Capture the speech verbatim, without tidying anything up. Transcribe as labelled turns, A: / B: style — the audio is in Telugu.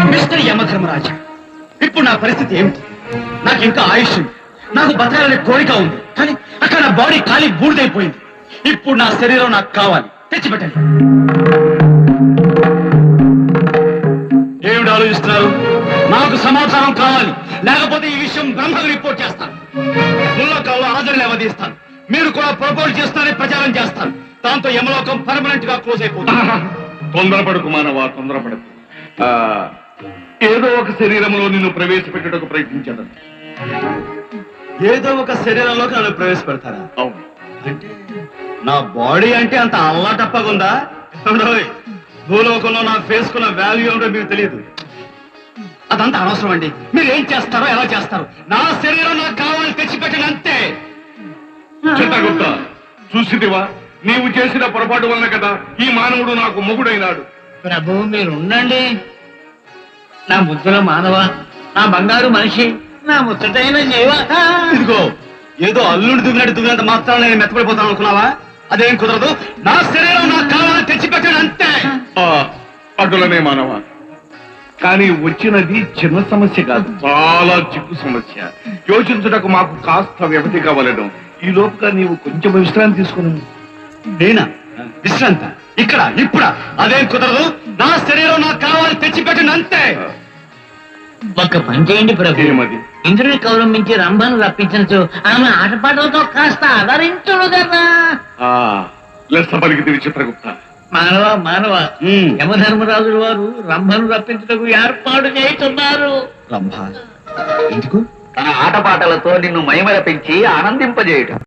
A: మిస్టర్ యమధర్మరాజా, ఇప్పుడు నా పరిస్థితి ఏమిటి? నాకు ఇంకా ఆయుష్ ఉంది, నాకు బతకాలనే కోరిక ఉంది, కానీ అక్కడ నా బాడీ ఖాళీ బూడిదైపోయింది. ఇప్పుడు నా శరీరం నాకు కావాలి, తెచ్చిపెట్టండి. ఏమిటి ఆలోచిస్తున్నారు? నాకు సమాధానం కావాలి, లేకపోతే ఈ విషయం బ్రహ్మకు రిపోర్ట్ చేస్తాను. ముల్లోకంలో ఆదరణ అవధిస్తాను. మీరు కూడా ప్రపోజ్ చేస్తారని ప్రచారం చేస్తాను. దాంతో యమలోకం పర్మనెంట్ గా క్లోజ్ అయిపోతుంది.
B: తొందరపడకు మానవా, తొందరపడకు. ఏదో ఒక శరీరంలో నిన్ను ప్రవేశపెట్టడానికి ప్రయత్నించడం.
A: ఏదో ఒక శరీరంలోకి నన్ను ప్రవేశపెడతారా?
B: అవును.
A: అంటే నా బాడీ అంటే అంత అల్లాటప్పగుందా? భూలోకంలో నా ఫేస్ కున్న వాల్యూ ఏమిటో మీకు తెలియదు. అదంతా అనవసరం అండి. మీరు ఏం చేస్తారో ఎలా చేస్తారు, నా శరీరం నాకు కావాలని తెచ్చిపెట్టండి అంతే.
B: చిత్తగుప్త, చూసిదివా, నీవు చేసిన పొరపాటు వల్ల కదా ఈ మానవుడు నాకు మొగుడైనాడు.
C: ప్రభు మీరు ఉండండి. నా ముద్దుల మానవ, నా బంగారు మనిషి, నా ముచ్చటైన జీవ.
A: ఇదిగో ఏదో అల్లుడు దువ్వినట్టు దువ్వినంత మాత్రం నేను మెత్తపడిపోతాను అనుకున్నావా? అదేం కుదరదు. నా శరీరం నాకు కావాలని తెచ్చిపెట్టాను అంతే.
B: అటులనే మానవ, కానీ వచ్చినది చిన్న సమస్య కాదు, చాలా చిక్కు సమస్య. యోచించుటకు మాకు కాస్త వ్యవధి కావాలను. ఈ లోపుగా నీవు కొంచెం విశ్రాంతి తీసుకుని.
A: నేనా విశ్రాంత? ఇక్కడ ఇప్పుడా? అదేం కుదరదు. నా శరీరం నాకు కావాలని తెచ్చిపెట్టండి అంతే.
C: ఒక్క పని చేయండి ప్రభు.
B: ఏమది?
C: ఇంద్రుని కౌరమించి రంభను రప్పించచ్చు, ఆమె ఆటపాటలతో కాస్త ఆదరించుడు కదా.
B: లెస్స పలికితే చిత్రగుప్త.
C: మానవ మానవ, యమధర్మరాజుల వారు రంభను రప్పించుటకు ఏర్పాటు చేస్తున్నారు.
A: రంభ ఎందుకు?
D: తన ఆటపాటలతో నిన్ను మైమరపించి ఆనందింపజేయటం.